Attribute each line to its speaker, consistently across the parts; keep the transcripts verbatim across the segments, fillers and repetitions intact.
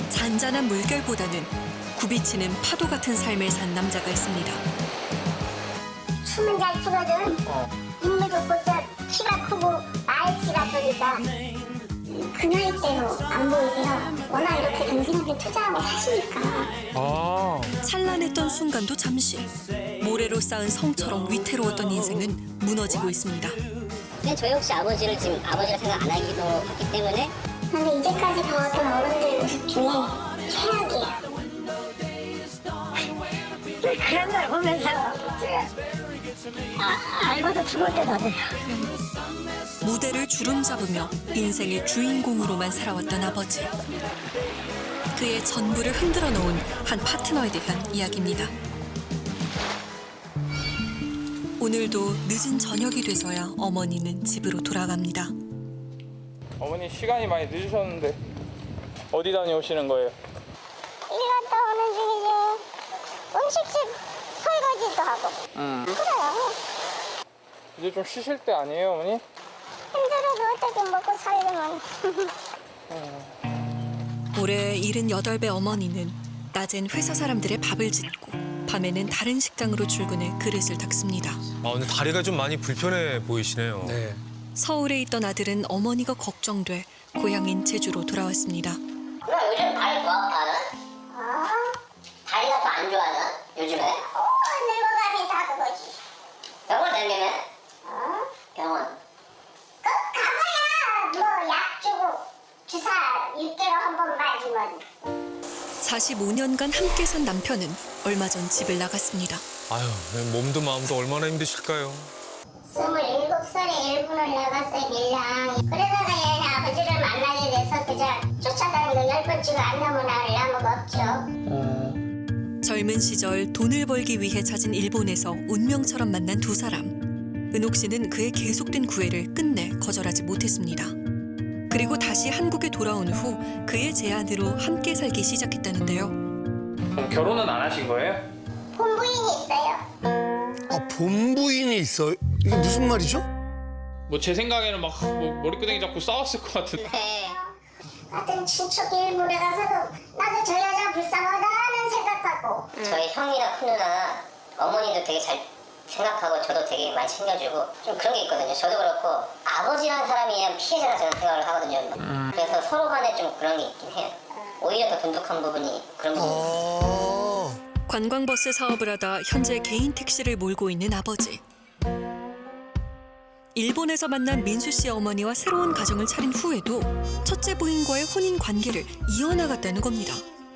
Speaker 1: 잔잔한 물결보다는 굽이치는 파도 같은 삶을 산 남자가 있습니다.
Speaker 2: 춤은 잘 추거든. 인물 좋고 저 키가 크고 날씨가 좋으니까 그 나이 때로 안 보이세요. 워낙 이렇게 당신한테 투자하고 사시니까.
Speaker 3: 아,
Speaker 1: 찬란했던 순간도 잠시 모래로 쌓은 성처럼 위태로웠던 인생은 무너지고 있습니다.
Speaker 4: 근데 저희 혹시 아버지를 지금 아버지라 생각 안 하기도 했기 때문에
Speaker 2: 근데 이제까지 봐왔던 어른들 모습 중에 최악이에요. 그런 걸 보면서 아, 알고도 죽을 때도 돼요.
Speaker 1: 무대를 주름 잡으며 인생의 주인공으로만 살아왔던 아버지. 그의 전부를 흔들어 놓은 한 파트너에 대한 이야기입니다. 오늘도 늦은 저녁이 돼서야 어머니는 집으로 돌아갑니다.
Speaker 3: 어머니 시간이 많이 늦으셨는데 어디 다녀오시는 거예요?
Speaker 2: 일 갔다 오는 중이지. 음식집 설거지도 하고.
Speaker 3: 음.
Speaker 2: 그래요.
Speaker 3: 이제 좀 쉬실 때 아니에요, 어머니?
Speaker 2: 힘들어도 어떻게 먹고 살려면.
Speaker 1: 올해 일흔여덟 배 어머니는 낮엔 회사 사람들의 밥을 짓고 밤에는 다른 식당으로 출근해 그릇을 닦습니다.
Speaker 5: 아, 근데 다리가 좀 많이 불편해 보이시네요.
Speaker 6: 네.
Speaker 1: 서울에 있던 아들은 어머니가 걱정돼 고향인 제주로 돌아왔습니다.
Speaker 4: 누나 요즘 다리 더 아파하는?
Speaker 2: 어?
Speaker 4: 다리가 더 안 좋아하는? 요즘에?
Speaker 2: 어, 늙어감이 다 그거지.
Speaker 4: 병원 다니면?
Speaker 2: 어?
Speaker 4: 병원.
Speaker 2: 그 가봐야 뭐 약 주고 주사 육 개월 한 번 맞으면.
Speaker 1: 사십오 년간 함께 산 남편은 얼마 전 집을 나갔습니다.
Speaker 5: 아유, 몸도 마음도 얼마나 힘드실까요?
Speaker 2: 스물일곱 살에 일본을 나갔어요, 밀랑. 그러다가 얘 아버지를 만나게 돼서 그저 쫓아다니는 거 열 번 찍어 안 넘어 나올 나무가 없죠.
Speaker 1: 젊은 시절 돈을 벌기 위해 찾은 일본에서 운명처럼 만난 두 사람. 은옥 씨는 그의 계속된 구애를 끝내 거절하지 못했습니다. 그리고 다시 한국에 돌아온 후 그의 제안으로 함께 살기 시작했다는데요.
Speaker 3: 그럼 결혼은 안 하신 거예요?
Speaker 2: 본부인이 있어요.
Speaker 6: 아, 본부인이 있어요? 이게 무슨 말이죠?
Speaker 3: 뭐 제 생각에는 막 뭐 머리끄댕이 잡고 싸웠을 것 같은데.
Speaker 4: 네.
Speaker 2: 같은 친척 일본에 가서도 나도 저 여자 불쌍하다는 생각하고.
Speaker 4: 저희 형이나 큰 누나 어머니도 되게 잘 생각하고 저도 되게 많이 챙겨주고 좀 그런 게 있거든요. 저도 그렇고 아버지라는 사람이 그냥 피해자라 저는 생각을 하거든요.
Speaker 6: 음.
Speaker 4: 그래서 서로 간에 좀 그런 게 있긴 해요. 오히려 더 돈독한 부분이 그런 부분이 있어요.
Speaker 6: 아,
Speaker 1: 관광버스 사업을 하다 현재 개인 택시를 몰고 있는 아버지. 일본에서 만난 민수 씨 어머니와 새로운 가정을 차린 후에도 첫째 부인과의 혼인 관계를 이어나갔다는 겁니다.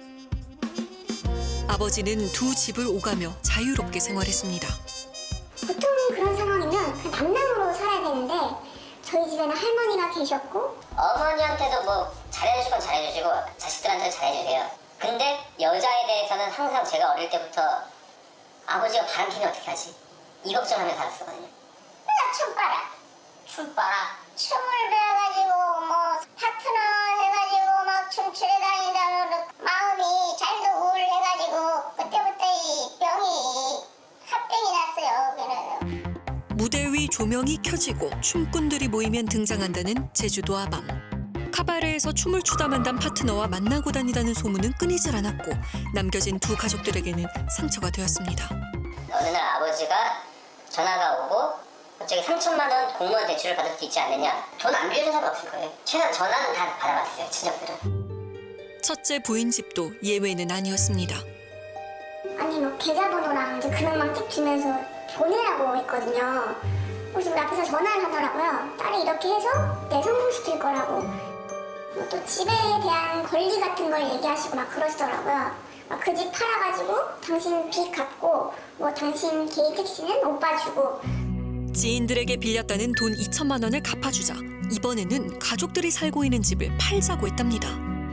Speaker 1: 아버지는 두 집을 오가며 자유롭게 생활했습니다.
Speaker 2: 보통 그런 상황이면 그냥 남남으로 살아야 되는데 저희 집에는 할머니가 계셨고
Speaker 4: 어머니한테도 뭐 잘해주실 건 잘해주시고 자식들한테도 잘해주세요. 근데 여자에 대해서는 항상 제가 어릴 때부터 아버지가 바람피면 어떻게 하지? 이 걱정하며 살았었거든요.
Speaker 2: 나 춤 빨아.
Speaker 4: 춤 봐라.
Speaker 2: 춤을 배워가지고 뭐 파트너 해가지고 막 춤추러 다니다 마음이 잘도 우울해가지고 그때부터 이 병이 합병이 났어요. 그래서.
Speaker 1: 무대 위 조명이 켜지고 춤꾼들이 모이면 등장한다는 제주도 아밤. 카바레에서 춤을 추다 만난 파트너와 만나고 다니다는 소문은 끊이질 않았고 남겨진 두 가족들에게는 상처가 되었습니다.
Speaker 4: 어느 날 아버지가 전화가 오고 갑자기 삼천만 원 공무원 대출을 받을 수 있지 않느냐. 돈 안 빌려준 사람 없을 거예요. 최소한 전화는 다 받아봤어요, 친척들은.
Speaker 1: 첫째 부인 집도 예외는 아니었습니다.
Speaker 2: 아니 뭐 계좌번호랑 이제 금액만 딱 주면서 보내라고 했거든요. 그래서 우리 앞에서 전화를 하더라고요. 딸이 이렇게 해서 내 성공시킬 거라고. 뭐또 집에 대한 권리 같은 걸 얘기하시고 막 그러시더라고요. 그 집 팔아가지고 당신 빚 갚고 뭐 당신 개인 택시는 오빠 주고.
Speaker 1: 지인들에게 빌렸다는 돈 이천만 원을 갚아주자 이번에는 가족들이 살고 있는 집을 팔자고 했답니다.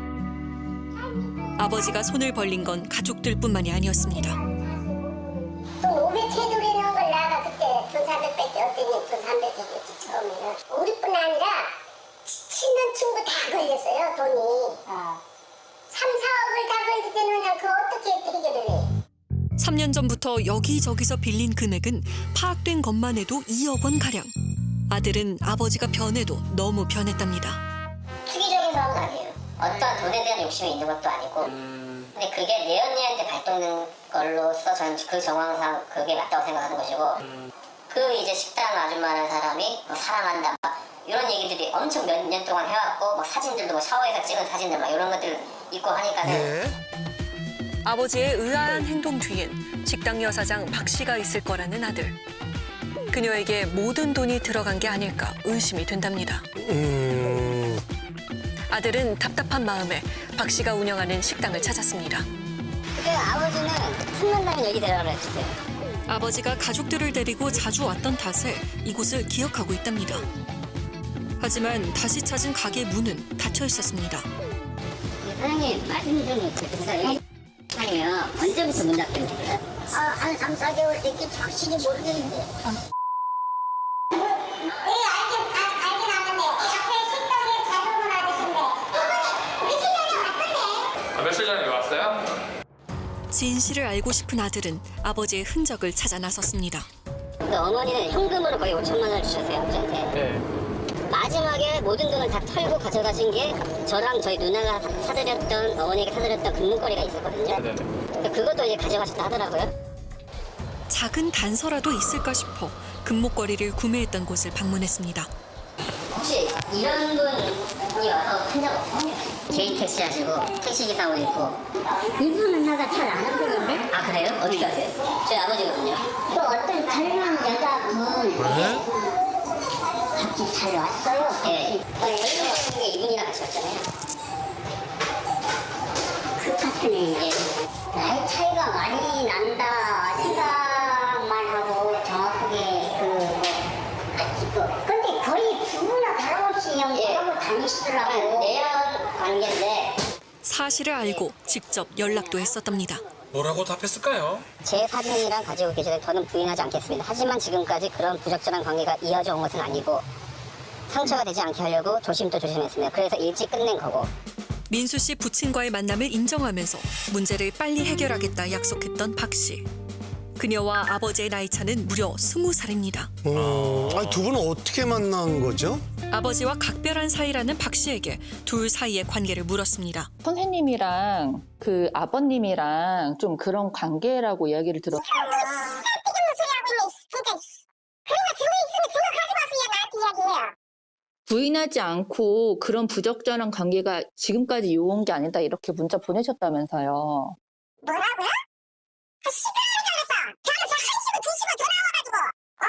Speaker 1: 아버지가 손을 벌린 건 가족들뿐만이 아니었습니다.
Speaker 2: 돈 오백 해드리는 걸 내가 그때 돈 사백 뺐지. 어땠니? 돈 삼백 해줬지 처음에는. 우리뿐 아니라 친한 친구 다 걸렸어요 돈이. 삼, 사억을 다 걸릴 때는 그냥 그거 어떻게 드리기를 해.
Speaker 1: 삼 년 전부터 여기저기서 빌린 금액은 파악된 것만 해도 이억 원가량. 아들은 아버지가 변해도 너무 변했답니다.
Speaker 4: 투기적인 사람은 아니에요. 어떤 돈에 대한 욕심이 있는 것도 아니고 근데 그게 내 언니한테 발동된 걸로서 저는 그 정황상 그게 맞다고 생각하는 것이고 그 이제 식당 아줌마라는 사람이 뭐 사랑한다 막 이런 얘기들이 엄청 몇 년 동안 해왔고 막 사진들도 뭐 샤워에서 찍은 사진들 막 이런 것들 있고 하니까는
Speaker 6: 예.
Speaker 1: 아버지의 의아한 행동 뒤엔 식당 여사장 박 씨가 있을 거라는 아들. 그녀에게 모든 돈이 들어간 게 아닐까 의심이 된답니다.
Speaker 6: 음.
Speaker 1: 아들은 답답한 마음에 박 씨가 운영하는 식당을 찾았습니다.
Speaker 4: 그 아버지는 숨는다는 얘기 대화를 했어요.
Speaker 1: 아버지가 가족들을 데리고 자주 왔던 탓에 이곳을 기억하고 있답니다. 하지만 다시 찾은 가게 문은 닫혀 있었습니다.
Speaker 4: 사장님 말씀 좀 드리세요. 아니면 언제부터 문 닫게 됐어요?
Speaker 2: 아, 한 삼, 사 개월 됐기 확실히 모르겠는데. 예, 알긴, 아, 알긴 아는데 앞에 식당에 자주 오는 아저씨인데 며칠 전에 왔던데.
Speaker 3: 아, 며칠 전에 왔어요?
Speaker 1: 진실을 알고 싶은 아들은 아버지의 흔적을 찾아 나섰습니다.
Speaker 4: 근데 어머니는 현금으로 거의 오천만 원을 주셨어요, 아버지한테.
Speaker 3: 네.
Speaker 4: 마지막에 모든 돈을 다 털고 가져가신 게 저랑 저희 누나가 사드렸던 어머니에게 사드렸던 금문거리가 있었거든요.
Speaker 3: 네네.
Speaker 4: 근데 그것도 이제 가져가셨다 하더라고요.
Speaker 1: 작은 단서라도 있을까 싶어 금목걸이를 구매했던 곳을 방문했습니다.
Speaker 4: 혹시 이런 분이 와서 한 적 없어요? 개인 택시 하시고 택시기사도 있고.
Speaker 2: 이분은 나가 잘 아는 분인데?
Speaker 4: 아 그래요? 어떻게 아세요? 저희 아버지거든요.
Speaker 2: 또 어떤 젊은 여자분
Speaker 6: 네?
Speaker 2: 같이 잘 왔어요.
Speaker 4: 예. 저희 게 이분이랑 같이 왔잖아요.
Speaker 2: 그 파트네.
Speaker 4: 예.
Speaker 2: 나이 차이가 많이 난다 생각만 하고 정확하게 그 그, 근데 거의 부부나 다름없이 그냥
Speaker 4: 예.
Speaker 2: 그러고 다니시더라고.
Speaker 4: 내연 관계인데
Speaker 1: 사실을 알고 직접 연락도 했었답니다.
Speaker 5: 뭐라고 답했을까요?
Speaker 4: 제 사진이랑 가지고 계시는 저는 부인하지 않겠습니다. 하지만 지금까지 그런 부적절한 관계가 이어져 온 것은 아니고 상처가 되지 않게 하려고 조심도 조심했습니다. 그래서 일찍 끝낸 거고.
Speaker 1: 민수 씨 부친과의 만남을 인정하면서 문제를 빨리 해결하겠다 약속했던 박 씨. 그녀와 아버지의 나이 차는 무려 스무 살입니다.
Speaker 6: 어, 아니, 두 분은 어떻게 만난 거죠?
Speaker 1: 아버지와 각별한 사이라는 박 씨에게 둘 사이의 관계를 물었습니다.
Speaker 7: 선생님이랑 그 아버님이랑 좀 그런 관계라고 이야기를 들었어요.
Speaker 2: 쓸데없는 소리 하고 있네, 진짜. 그런 거 증거 있으면 증거 가져와서 나한테 이야기해요.
Speaker 7: 부인하지 않고 그런 부적절한 관계가 지금까지 요온 게 아니다 이렇게 문자 보내셨다면서요.
Speaker 2: 뭐라고요? 아, 시끄러운 줄 알았어. 저는 저 한시고 두시고 전화 와가지고 어?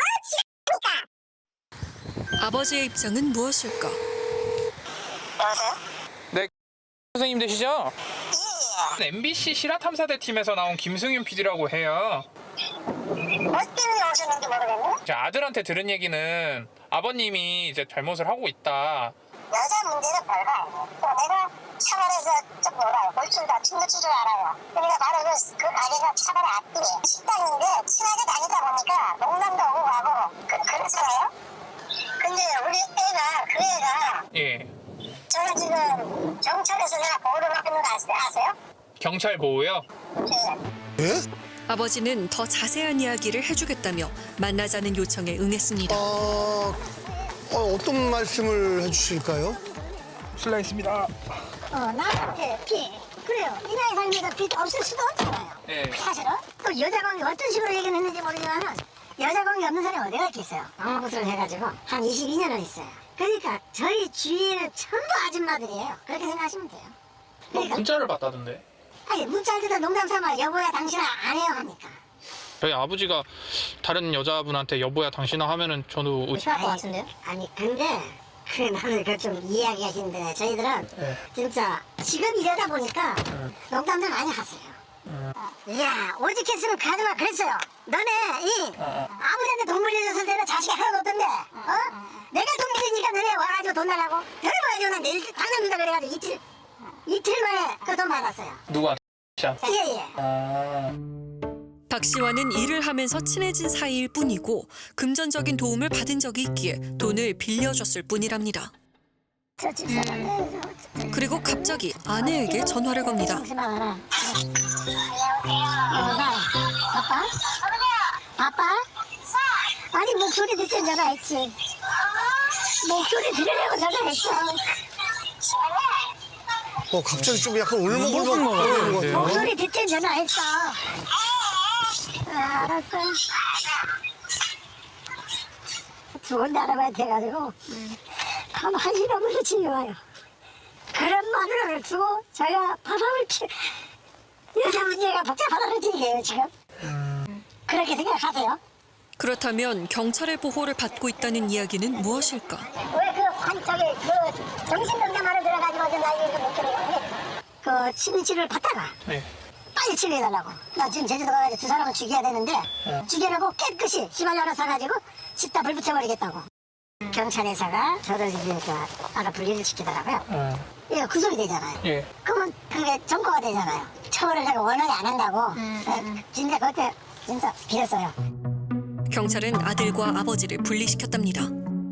Speaker 2: 지랄하니까.
Speaker 1: 아버지의 입장은 무엇일까?
Speaker 3: 네. 선생님 되시죠? 예. 엠비씨 실화탐사대 팀에서 나온 김승윤 피디라고 해요.
Speaker 2: 뭐 때문에 오셨는지 모르겠네.
Speaker 3: 제 아들한테 들은 얘기는 아버님이 이제 잘못을 하고 있다.
Speaker 2: 여자 문제는 별거 아니에요. 또 내가 차발에서 좀 놀아요. 골줄다 춤도 추줄 알아요. 그러니까 바로 그, 그 가게가 차발 앞뒤에 식당인데 친하게 다니다 보니까 농담도 오고 가고 그, 그렇잖아요. 근데 우리 애가 그 애가
Speaker 3: 예.
Speaker 2: 저는 지금 경찰에서 내가 보호를 받고 있는 거 아세요? 아세요?
Speaker 3: 경찰 보호요?
Speaker 2: 네.
Speaker 6: 예?
Speaker 1: 아버지는 더 자세한 이야기를 해주겠다며 만나자는 요청에 응했습니다.
Speaker 6: 어, 어, 어떤 말씀을 해주실까요?
Speaker 3: 실례했습니다.
Speaker 2: 어, 나한테 빚. 그래요. 이 나이 살면서 빚 없을 수도 없잖아요.
Speaker 3: 예.
Speaker 2: 사실은. 또 여자 관계 어떤 식으로 얘기를 했는지 모르지만 여자 관계 없는 사람이 어디가 있겠어요. 방어구슬을 해가지고 한 이십이 년을 했어요. 그러니까 저희 주위에는 전부 아줌마들이에요. 그렇게 생각하시면 돼요.
Speaker 3: 뭐
Speaker 2: 그러니까
Speaker 3: 문자를 받다던데.
Speaker 2: 아니 문자를 듣다 농담 삼아 여보야 당신은 안 해요 하니까.
Speaker 3: 저희 아버지가 다른 여자분한테 여보야 당신아 하면은 저도 의-
Speaker 4: 필요할 것 같은데요?
Speaker 2: 아니 근데 그 나는 그 좀 이해하기가 힘드네. 저희들은
Speaker 3: 네.
Speaker 2: 진짜 지금 이러다 보니까 농담들 많이 하세요. 야 오직했으면 가지마 그랬어요. 너네 이 아무데한테 돈 물려줬을 때는 자식이 하나도 없던데 어? 내가 돈 물리니까 너네 와가지고 돈 달라고 너네 와가지고 난 내일 당근다 그래가지고 이틀 이틀 만에 그 돈 받았어요.
Speaker 3: 누구한테?
Speaker 2: 예예.
Speaker 3: 아.
Speaker 1: 박 씨와는 일을 하면서 친해진 사이일 뿐이고 금전적인 도움을 받은 적이 있기에 돈을 빌려줬을 뿐이랍니다.
Speaker 2: 저 집사람
Speaker 1: 그리고 갑자기 아내에게 전화를 겁니다.
Speaker 2: 잠시만 와라. 여보가 바빠? 바빠? 아니 목소리 듣자 전화했지. 목소리 들으려고 전화했어.
Speaker 6: 어, 갑자기 좀 약간 울먹울먹 거리는 것 같아요.
Speaker 2: 목소리 듣지 전화했어. 아, 알았어. 죽은 나라만 돼가지고 가만히 너무도 집에 와요. 그런 마누라를 두고 제가 바람을 피 여자 문제가 복잡하다는 얘기예요 지금. 그렇게 생각하세요?
Speaker 1: 그렇다면 경찰의 보호를 받고 있다는 이야기는 무엇일까?
Speaker 2: 왜그 환쪽에 그 정신병자만을 들어가지고 나 이거 못 들어가요. 그 치료를 받다가
Speaker 3: 네.
Speaker 2: 빨리 치료해달라고. 나 지금 제주도 가가지고 두 사람을 죽여야 되는데 죽여놓고 깨끗이 시발려나 사가지고 집다 불 붙여버리겠다고. 경찰에서가 저를 이제 그 아까 분리를 시키더라고요.
Speaker 3: 어.
Speaker 2: 이거 구속이 되잖아요.
Speaker 3: 예.
Speaker 2: 그러면 그게 점거가 되잖아요. 처벌을 내가 원하지 안 한다고. 네, 진짜 그때 진짜 빌었어요.
Speaker 1: 경찰은 아들과 아버지를 분리시켰답니다.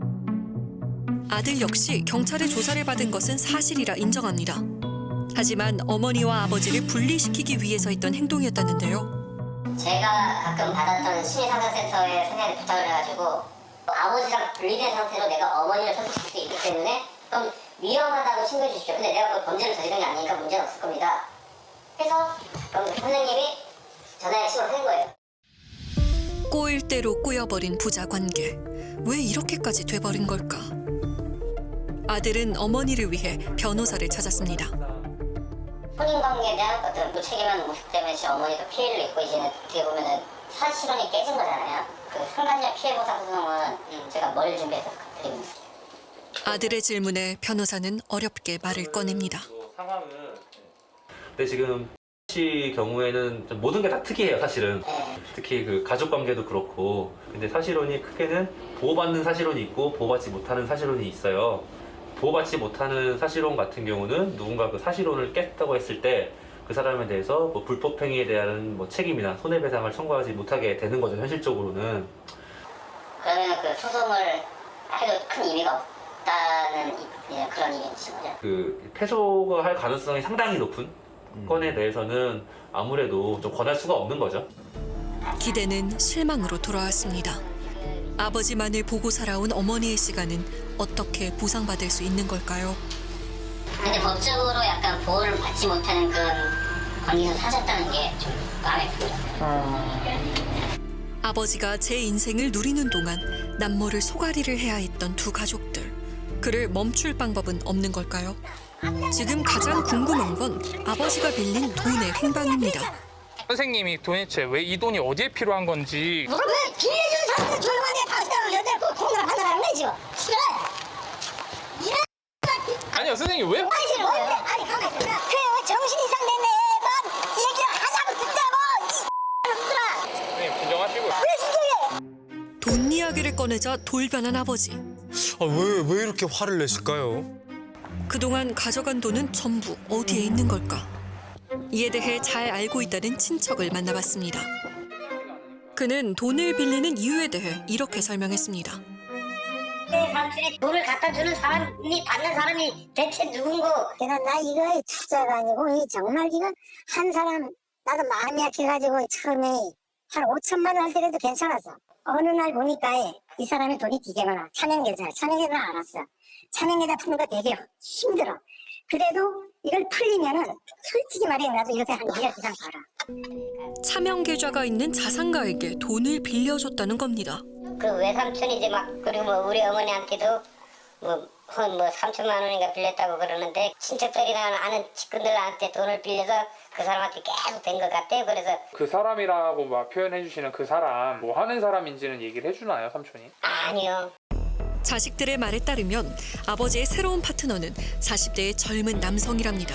Speaker 1: 아들 역시 경찰의 조사를 받은 것은 사실이라 인정합니다. 하지만 어머니와 아버지를 분리시키기 위해서 했던 행동이었다는데요.
Speaker 4: 제가 가끔 받았던 심리상담센터에 선생님한테 부탁을 해가지고 아버지랑 분리된 상태로 내가 어머니를 소개시킬 수 있기 때문에 좀 위험하다고 신고해 주십시오. 근데 내가 그 범죄를 저지른 게 아니니까 문제는 없을 겁니다. 그래서 그럼 선생님이 전화를 신고를 한 거예요.
Speaker 1: 꼬일 대로 꼬여버린 부자 관계. 왜 이렇게까지 돼버린 걸까? 아들은 어머니를 위해 변호사를 찾았습니다.
Speaker 4: 혼인관계에 대한 어떤 무책임한 모습 때문에 제 어머니도 피해를 입고 이제는 어떻게 보면은 사실혼이 깨진 거잖아요. 그 상간녀 피해보상 소송은 음, 제가 뭘 준비해서 드립니다.
Speaker 1: 아들의 질문에 변호사는 어렵게 말을 꺼냅니다.
Speaker 8: 상황은 근데 지금 씨 경우에는 좀 모든 게 다 특이해요, 사실은.
Speaker 4: 네.
Speaker 8: 특히 그 가족 관계도 그렇고. 근데 사실혼이 크게는 보호받는 사실혼이 있고 보호받지 못하는 사실혼이 있어요. 보호받지 못하는 사실혼 같은 경우는 누군가 그 사실혼을 깼다고 했을 때 그 사람에 대해서 뭐 불법행위에 대한 뭐 책임이나 손해배상을 청구하지 못하게 되는 거죠, 현실적으로는.
Speaker 4: 그러면 그 소송을 해도 큰 의미가 없다는 이- 그런 의미이신 거죠.
Speaker 8: 그 패소가 할 가능성이 상당히 높은 건에 대해서는 아무래도 좀 권할 수가 없는 거죠.
Speaker 1: 기대는 실망으로 돌아왔습니다. 아버지만을 보고 살아온 어머니의 시간은 어떻게 보상받을 수 있는 걸까요?
Speaker 4: 근데 법적으로 약간 보호를 받지 못하는 그런 관계에서 사셨다는 게 좀 마음에 들어요.
Speaker 1: 아버지가 제 인생을 누리는 동안 남모를 소가리를 해야 했던 두 가족들. 그를 멈출 방법은 없는 걸까요? 지금 가장 궁금한 건 아버지가 빌린 돈의 행방입니다.
Speaker 3: 선생님이 도대체 왜 이 돈이 어디에 필요한 건지
Speaker 2: 왜 빌려준 사람들 조용하게 박수하고 여자 꼭 통과 받아라는 거지 지금. 싫어. 이런
Speaker 3: 아니요 선생님 왜
Speaker 2: 아니 지금 뭔데? 아니 가만히 있어. 그 정신 이상 된 애만 얘기를 하자고 듣자고 이 놈들아.
Speaker 3: 선생님 진정하시고
Speaker 2: 왜 진정해?
Speaker 1: 돈 이야기를 꺼내자 돌변한 아버지.
Speaker 6: 아, 왜, 왜 이렇게 화를 내실까요?
Speaker 1: 그동안 가져간 돈은 전부 어디에 있는 걸까? 이에 대해 잘 알고 있다는 친척을 만나봤습니다. 그는 돈을 빌리는 이유에 대해 이렇게 설명했습니다.
Speaker 4: 내 삼촌이 돈을 갖다 주는 사람이 받는 사람이 대체 누군고?
Speaker 2: 내가 나 이거 투자가 아니고 이 정말 이거 한 사람 나도 마음이 약해가지고 처음에 한 오천만 원 할 때라도 괜찮았어. 어느 날 보니까 이 사람의 돈이 되게 많아. 차명계좌, 차명계좌 알았어. 차명계좌 푸는 거 되게 힘들어. 그래도 이걸 풀리면은 솔직히 말해 나도 이렇게 한 일 년 이상 벌어.
Speaker 1: 차명 계좌가 있는 자산가에게 돈을 빌려줬다는 겁니다.
Speaker 4: 그 외삼촌이 이제 막 그리고 뭐 우리 어머니한테도 뭐 한 뭐 삼천만 원인가 빌렸다고 그러는데 친척들이나 아는 측근들한테 돈을 빌려서 그 사람한테 계속 된 것 같아요. 그래서
Speaker 3: 그 사람이라고 막 표현해 주시는 그 사람 뭐 하는 사람인지는 얘기를 해주나요 삼촌이?
Speaker 4: 아니요.
Speaker 1: 자식들의 말에 따르면 아버지의 새로운 파트너는 사십 대의 젊은 남성이랍니다.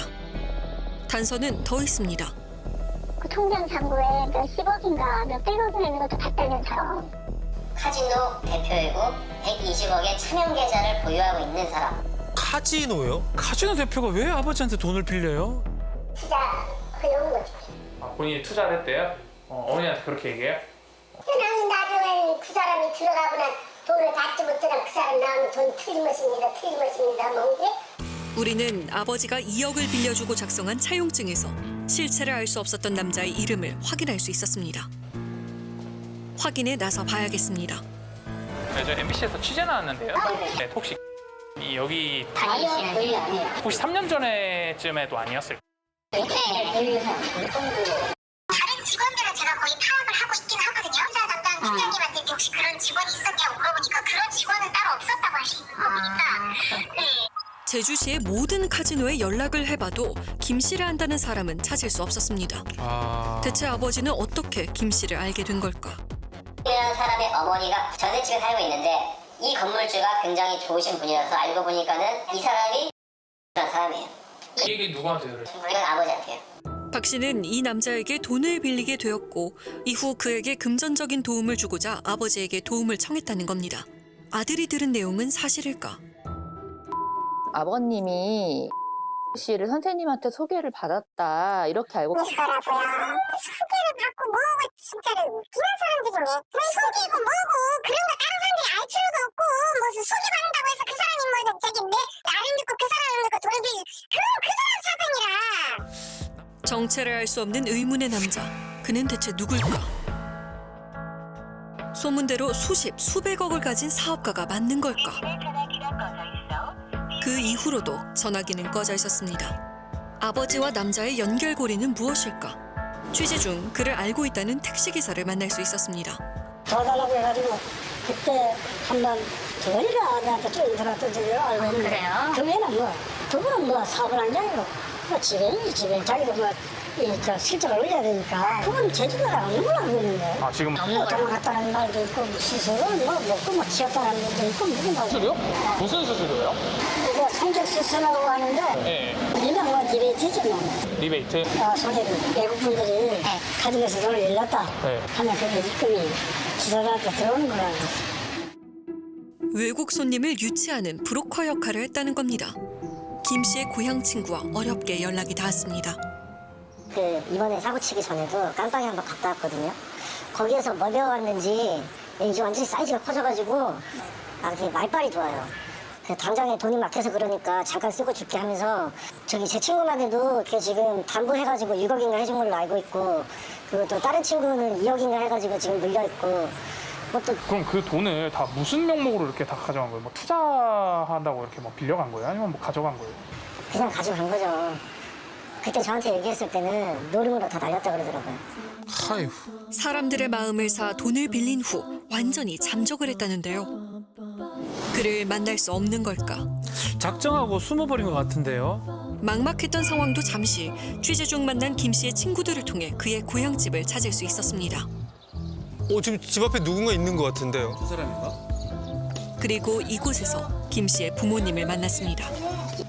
Speaker 1: 단서는 더 있습니다.
Speaker 2: 그 통장 잔고에 몇십억인가 몇백억이나 있는 것도 봤다면서요.
Speaker 4: 카지노 대표이고 백이십억의 차명 계좌를 보유하고 있는 사람.
Speaker 5: 카지노요? 카지노 대표가 왜 아버지한테 돈을 빌려요?
Speaker 2: 투자 그런 거지.
Speaker 3: 아, 본인이 투자를 했대요? 어, 어머니한테 그렇게 얘기해요?
Speaker 2: 나는 나중에 그 사람이 들어가거나 돈을 받지 못하면 그 사람 나오면 돈 틀린 것입니다. 틀린 것입니다. 뭔게?
Speaker 1: 우리는 아버지가 이억을 빌려주고 작성한 차용증에서 실체를 알 수 없었던 남자의 이름을 확인할 수 있었습니다. 확인에 나서 봐야겠습니다.
Speaker 3: 네, 저 엠비씨에서 취재 나왔는데요. 네, 혹시 이 여기
Speaker 4: 아니요, 거의 아니에요.
Speaker 3: 혹시 삼 년 전에쯤에도 아니었을까요?
Speaker 4: 네, 거의
Speaker 2: 다른 직원들은 제가 거의 파악을 하고 있긴 하거든요. 회사 담당 팀장님한테 혹시 그런 직원이 있었냐고 물어보니까 그런 직원은 따로 없었다고 하시는 거 보니까 네.
Speaker 1: 제주시의 모든 카지노에 연락을 해봐도 김 씨를 안다는 사람은 찾을 수 없었습니다.
Speaker 6: 아.
Speaker 1: 대체 아버지는 어떻게 김 씨를 알게 된 걸까?
Speaker 4: 이라는 사람의 어머니가 전셋집에 살고 있는데 이 건물주가 굉장히 좋으신 분이라서 알고 보니까는 이 사람이 그런 사람이에요.
Speaker 3: 이 얘기 누구한테 들었어요?
Speaker 4: 이건 아버지한테요.
Speaker 1: 박 씨는 이 남자에게 돈을 빌리게 되었고 이후 그에게 금전적인 도움을 주고자 아버지에게 도움을 청했다는 겁니다. 아들이 들은 내용은 사실일까?
Speaker 7: 아버님이 씨를 선생님한테 소개를 받았다 이렇게 알고
Speaker 2: 이거라고요. 소개를 받고 뭐고 진짜로 웃기는 사람들이네. 왜 소개고 뭐고 그런 거 다른 사람들이 알 필요도 없고 무슨 소개받는다고 해서 그 사람이 뭐 저기 내 나를 믿고 그 사람을 믿고 돈을 빌리 그건 그 사람 사정이라.
Speaker 1: 정체를 알 수 없는 의문의 남자. 그는 대체 누굴까? 소문대로 수십, 수백억을 가진 사업가가 맞는 걸까? 그 이후로도 전화기는 꺼져 있었습니다. 아버지와 남자의 연결고리는 무엇일까? 취재 중 그를 알고 있다는 택시기사를 만날 수 있었습니다.
Speaker 9: 도와달라고 해가지고 그때 한번 저리가 나한테 쭉 인터넷도 저기를 알고 있는데
Speaker 4: 그래요?
Speaker 9: 그 외에는 뭐 그분은 뭐 사업을 한 게 아니고 뭐 지배인이지 지배 자기도 뭐 이 저 실적을 올려야 되니까 그건 제주도에 없는 걸로 알고 있는데
Speaker 3: 아 지금
Speaker 9: 뭐 도망갔다는 말도 있고 시술은 뭐 먹고 뭐 치웠다는 말도 있고 무슨 말도
Speaker 3: 수술이요? 무슨 수술이요?
Speaker 9: 뭐 성적 수술하고 하는데
Speaker 3: 네.
Speaker 9: 일명 뭐 디베이트지 뭐
Speaker 3: 리베이트.
Speaker 9: 어, 소개를 외국분들이 가정에서 돈을 일렀다
Speaker 3: 네.
Speaker 9: 하면 그게 입금이 지사들한테 들어오는 거라고 했어.
Speaker 1: 외국 손님을 유치하는 브로커 역할을 했다는 겁니다. 김 씨의 고향 친구와 어렵게 연락이 닿았습니다.
Speaker 9: 그 이번에 사고 치기 전에도 깜빵에 한번 갔다 왔거든요. 거기에서 뭐 배워왔는지 이게 완전히 사이즈가 커져가지고 아, 이렇게 말빨이 좋아요. 그 당장에 돈이 막혀서 그러니까 잠깐 쓰고 줄게 하면서 저기 제 친구만 해도 걔 지금 담보해가지고 육억인가 해준 걸로 알고 있고 그리고 또 다른 친구는 이억인가 해가지고 지금 물려있고 그것도
Speaker 3: 그럼 그 돈을 다 무슨 명목으로 이렇게 다 가져간 거예요? 뭐 투자한다고 이렇게 뭐 빌려간 거예요? 아니면 뭐 가져간 거예요?
Speaker 9: 그냥 가져간 거죠. 그때 저한테 얘기했을 때는 노름으로 다 날렸다 그러더라고요.
Speaker 6: 아이고.
Speaker 1: 사람들의 마음을 사 돈을 빌린 후 완전히 잠적을 했다는데요. 그를 만날 수 없는 걸까?
Speaker 5: 작정하고 숨어버린 것 같은데요.
Speaker 1: 막막했던 상황도 잠시 취재 중 만난 김 씨의 친구들을 통해 그의 고향집을 찾을 수 있었습니다.
Speaker 6: 어, 지금 집 앞에 누군가 있는 것 같은데요.
Speaker 5: 저 사람인가?
Speaker 1: 그리고 이곳에서 김 씨의 부모님을 만났습니다.
Speaker 2: 어디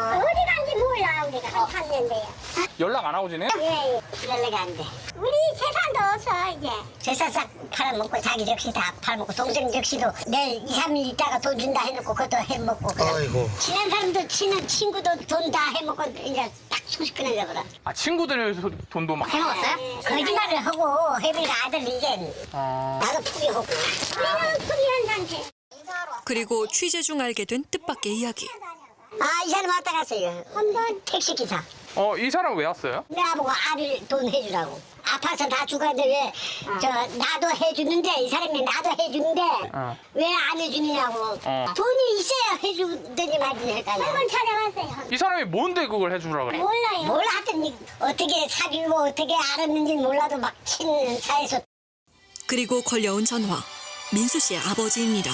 Speaker 2: 간지 몰라 우리가 한 삼 년 돼요.
Speaker 3: 연락 안 하고 지내?
Speaker 2: 예, 연락이 안 돼. 우리 재산도 없어 이제.
Speaker 9: 재산 싹 팔아먹고 자기 역시 다 팔아먹고 동생 역시도 내일 이, 삼 일 있다가 돈 준다 해놓고 그것도 해먹고 그냥
Speaker 6: 아이고.
Speaker 9: 친한 사람도 친한 친구도 돈 다 해먹고 이제 딱 소식 끊으려고라
Speaker 3: 아 친구들 소- 돈도 막
Speaker 9: 해먹었어요? 거짓말을 하고 혜빈이가 아들 이제
Speaker 3: 아...
Speaker 9: 나도 포기하고
Speaker 2: 우리는 포기한 상태.
Speaker 1: 그리고 취재 중 알게 된 뜻밖의 이야기.
Speaker 9: 아 이 사람 왔다 갔어요 한번 택시기사
Speaker 3: 어, 이 사람 왜 왔어요?
Speaker 9: 나보고 아들 돈 해주라고 아파서 다 죽었는데 왜 저 나도 해주는데 이 사람이 나도 해주는데
Speaker 3: 어.
Speaker 9: 왜 안 해주느냐고
Speaker 3: 어.
Speaker 9: 돈이 있어야 해주더니 말이 할까요
Speaker 2: 한번 찾아왔어요.
Speaker 3: 이 사람이 뭔데 그걸 해주라 그래?
Speaker 2: 몰라요.
Speaker 9: 몰라 하여튼 어떻게 사귀고 어떻게 알았는지 몰라도 막 친는 사이에서
Speaker 1: 그리고 걸려온 전화. 민수 씨의 아버지입니다.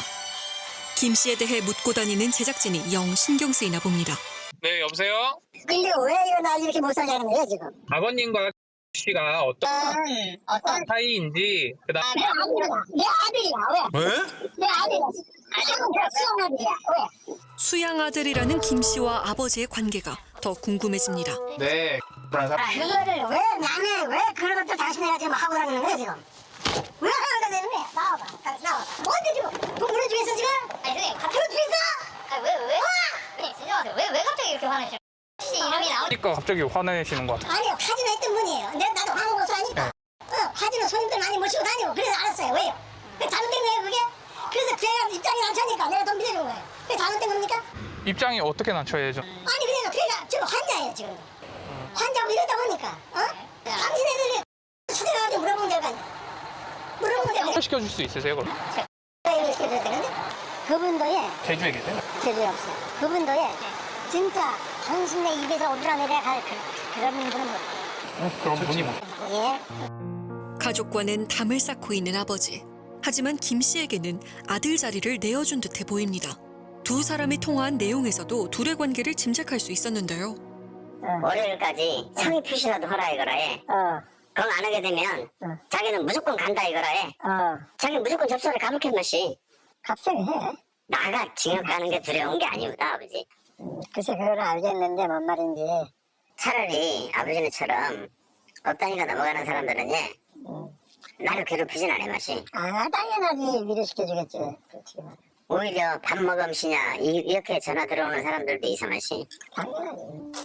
Speaker 1: 김 씨에 대해 묻고 다니는 제작진이 영 신경 쓰이나 봅니다.
Speaker 3: 네, 여보세요?
Speaker 9: 근데 왜 이거 나 이렇게 못 살게 하는 거야 지금
Speaker 3: 아버님과 씨가 어떤
Speaker 9: 어떤
Speaker 3: 사이인지 그다음
Speaker 9: 내 아들이야 내 아들이야 왜?
Speaker 6: 왜?
Speaker 9: 내 아들이야 아들은 수영아들이야 왜?
Speaker 1: 수양 아들이라는 김 씨와 아버지의 관계가 더 궁금해집니다.
Speaker 3: 네, 그런 사람.
Speaker 9: 그거를 왜 나는 왜 그런 것도 당신네가 지금 하고 다니는 거야 지금? 왜 하는 거야 왜? 나와봐 나와봐 뭔데 지금? 돈 보내주겠어 지금?
Speaker 4: 아니 선생님 갑자기
Speaker 9: 보내주겠어?
Speaker 4: 아니 왜 왜? 왜? 진짜 마세요. 왜, 왜 갑자기 이렇게 화내시는 혹시 이름이 나오니까
Speaker 3: 그러니까 갑자기 화내시는 것 같아요.
Speaker 9: 아니요 카지노 했던 분이에요 내가 나도 황금고수 하니까 어 카지노 손님들 많이 모시고 다니고 그래서 알았어요 왜요? 그게 잘못된 거예요 그게? 그래서 제가 입장이 낮춰니까 내가 돈 빌려준 거예요 그게 잘못된 겁니까?
Speaker 3: 입장이 어떻게 낮춰야 되죠?
Speaker 9: 아니 그래서 걔가 지금 환자예요 지금 환자고 이러다 보니까 어? 당신애들이 찾아가가지고 물어보면 될 거 아니야 물어보면 될 거 아니야
Speaker 3: 시켜줄 수 있으세요, 그럼?
Speaker 9: 이거 시켜줘야 되는데 그분도 예,
Speaker 3: 제주에 계세요?
Speaker 9: 제주에 없어요. 그분도 예, 진짜 당신네 입에서 오르락내리락 할 그, 그런 분은 뭐,
Speaker 3: 그럼 분이 뭐?
Speaker 9: 예.
Speaker 1: 가족과는 담을 쌓고 있는 아버지. 하지만 김 씨에게는 아들 자리를 내어준 듯해 보입니다. 두 사람이 통화한 내용에서도 둘의 관계를 짐작할 수 있었는데요.
Speaker 4: 월요일까지 성의 표시라도 하라 이거라 해.
Speaker 9: 어,
Speaker 4: 그럼 안 하게 되면
Speaker 9: 어.
Speaker 4: 자기는 무조건 간다 이거라 해.
Speaker 9: 어,
Speaker 4: 자기 무조건 접수를 감옥해 마시.
Speaker 9: 값을 해.
Speaker 4: 나가 징역 가는 게 두려운 게 아니구나 아버지.
Speaker 9: 글쎄 그걸 알겠는데 뭔 말인지.
Speaker 4: 차라리 아버지네처럼 업다니가 넘어가는 사람들은 예 나를 괴롭히진 않아 마시.
Speaker 9: 아, 당연하지. 위로시켜주겠지. 그렇지.
Speaker 4: 오히려 밥 먹음시냐 이- 이렇게 전화 들어오는 사람들도 이상하시.
Speaker 9: 당연하지.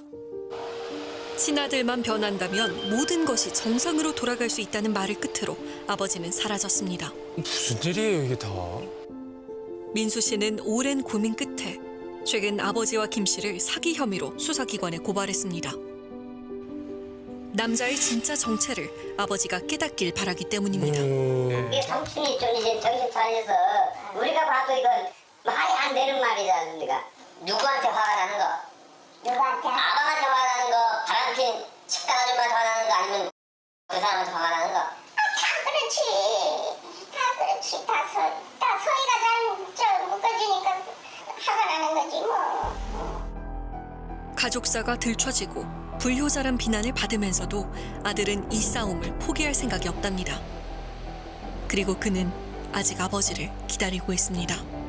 Speaker 1: 친아들만 변한다면 모든 것이 정상으로 돌아갈 수 있다는 말을 끝으로 아버지는 사라졌습니다.
Speaker 6: 무슨 일이에요 이게 다?
Speaker 1: 민수 씨는 오랜 고민 끝에 최근 아버지와 김 씨를 사기 혐의로 수사기관에 고발했습니다. 남자의 진짜 정체를 아버지가 깨닫길 바라기 때문입니다.
Speaker 6: 음,
Speaker 4: 이게 삼촌이 좀 이제 정신 차려서 우리가 봐도 이건 말이 안 되는 말이잖아. 우리가 누구한테 화가 나는 거?
Speaker 2: 누구한테?
Speaker 4: 아방한테 화가 나는 거, 바람핀 식당 아줌마한테 화가 나는 거, 아니면 그 사람한테 화가 나는 거?
Speaker 2: 다 그렇지. 다 그렇지. 다 서, 다 서희가 잘 묶어주니까 화가 나는 거지 뭐.
Speaker 1: 가족사가 들춰지고 불효자란 비난을 받으면서도 아들은 이 싸움을 포기할 생각이 없답니다. 그리고 그는 아직 아버지를 기다리고 있습니다.